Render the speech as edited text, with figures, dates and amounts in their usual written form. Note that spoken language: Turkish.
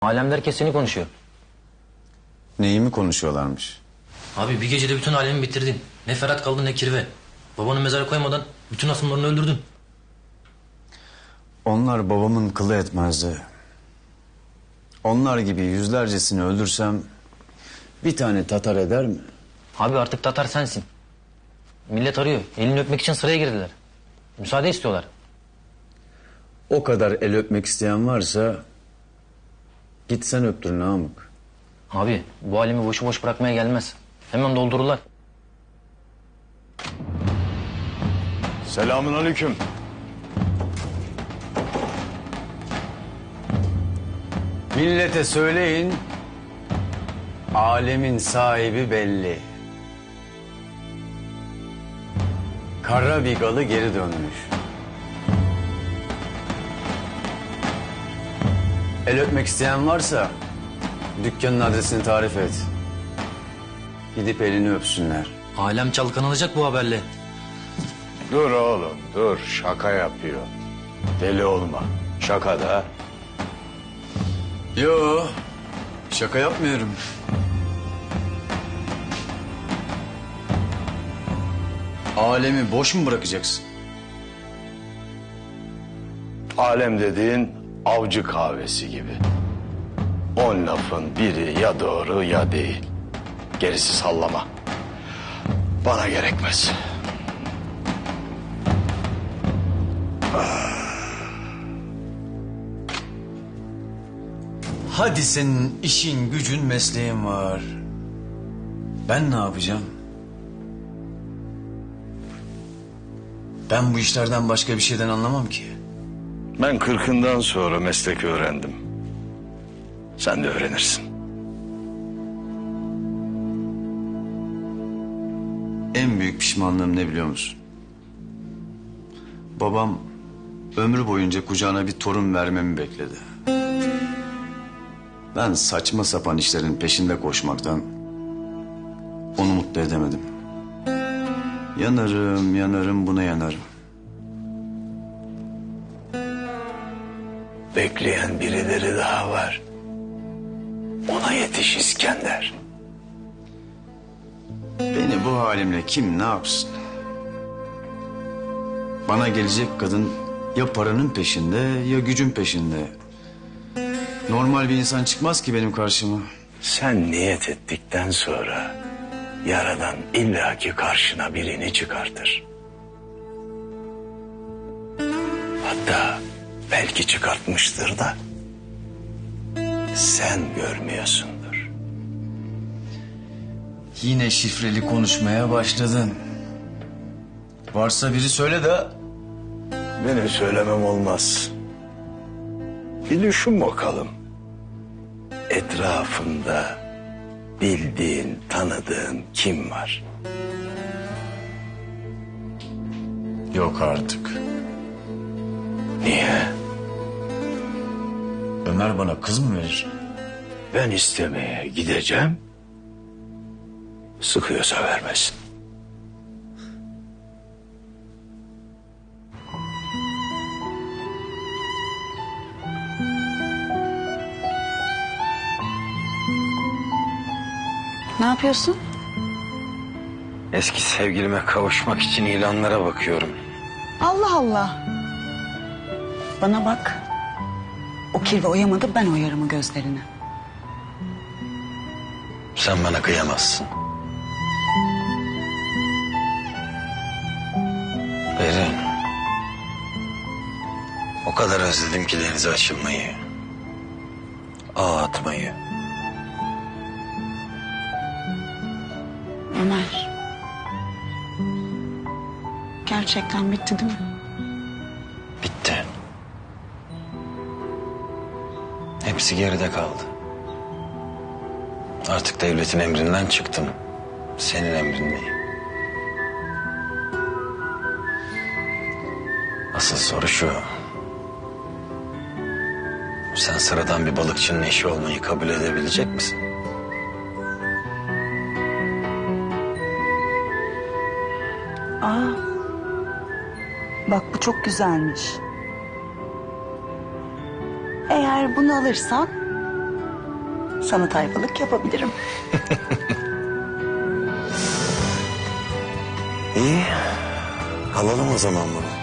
Alemde herkes seni konuşuyor. Neyi mi konuşuyorlarmış? Abi bir gecede bütün alemi bitirdin. Ne Ferhat kaldı ne Kirve. Babanı mezara koymadan bütün asımlarını öldürdün. Onlar babamın kılı etmezdi. Onlar gibi yüzlercesini öldürsem bir tane Tatar eder mi? Abi artık Tatar sensin. Millet arıyor. Elini öpmek için sıraya girdiler. Müsaade istiyorlar. O kadar el öpmek isteyen varsa git sen öptür Namık. Abi bu alemi boşu boş bırakmaya gelmez. Hemen doldururlar. Selamünaleyküm. Millete söyleyin, alemin sahibi belli. Kara Bigalı geri dönmüş. El öpmek isteyen varsa dükkanın adresini tarif et. Gidip elini öpsünler. Alem çalkanılacak bu haberle. Dur oğlum dur, şaka yapıyor. Deli olma, şaka da. Yo, şaka yapmıyorum. Alemi boş mu bırakacaksın? Alem dediğin avcı kahvesi gibi. 10 lafın biri ya doğru ya değil. Gerisi sallama. Bana gerekmez. Hadi senin işin, gücün, mesleğin var. Ben ne yapacağım? Ben bu işlerden başka bir şeyden anlamam ki. Ben 40'ından sonra meslek öğrendim. Sen de öğrenirsin. En büyük pişmanlığım ne biliyor musun? Babam ömrü boyunca kucağına bir torun vermemi bekledi. Ben saçma sapan işlerin peşinde koşmaktan onu mutlu edemedim. Yanarım buna yanarım. Bekleyen birileri daha var. Ona yetiş İskender. Beni bu halimle kim ne yapsın? Bana gelecek kadın ya paranın peşinde ya gücün peşinde. Normal bir insan çıkmaz ki benim karşıma. Sen niyet ettikten sonra Yaradan illaki karşına birini çıkartır. Hatta belki çıkartmıştır da sen görmüyorsundur. Yine şifreli konuşmaya başladın. Varsa biri söyle de. Benim söylemem olmaz. Bir düşün bakalım. Etrafında bildiğin, tanıdığın kim var? Yok artık. Niye? Ömer bana kız mı verir? Ben istemeye gideceğim. Sıkıyorsa vermesin. Ne yapıyorsun? Eski sevgilime kavuşmak için ilanlara bakıyorum. Allah Allah. Bana bak. O kirve oyamadı, ben oyarım o gözlerini. Sen bana kıyamazsın. Berin. O kadar özledim ki denize açılmayı. Ağ atmayı. Ömer. Gerçekten bitti değil mi? Bitti. Hepsi geride kaldı. Artık devletin emrinden çıktım. Senin emrindeyim. Asıl soru şu. Sen sıradan bir balıkçının eşi olmayı kabul edebilecek misin? Aa. Bak bu çok güzelmiş. Eğer bunu alırsan Sana tayfalık yapabilirim. İyi. Alalım o zaman bunu.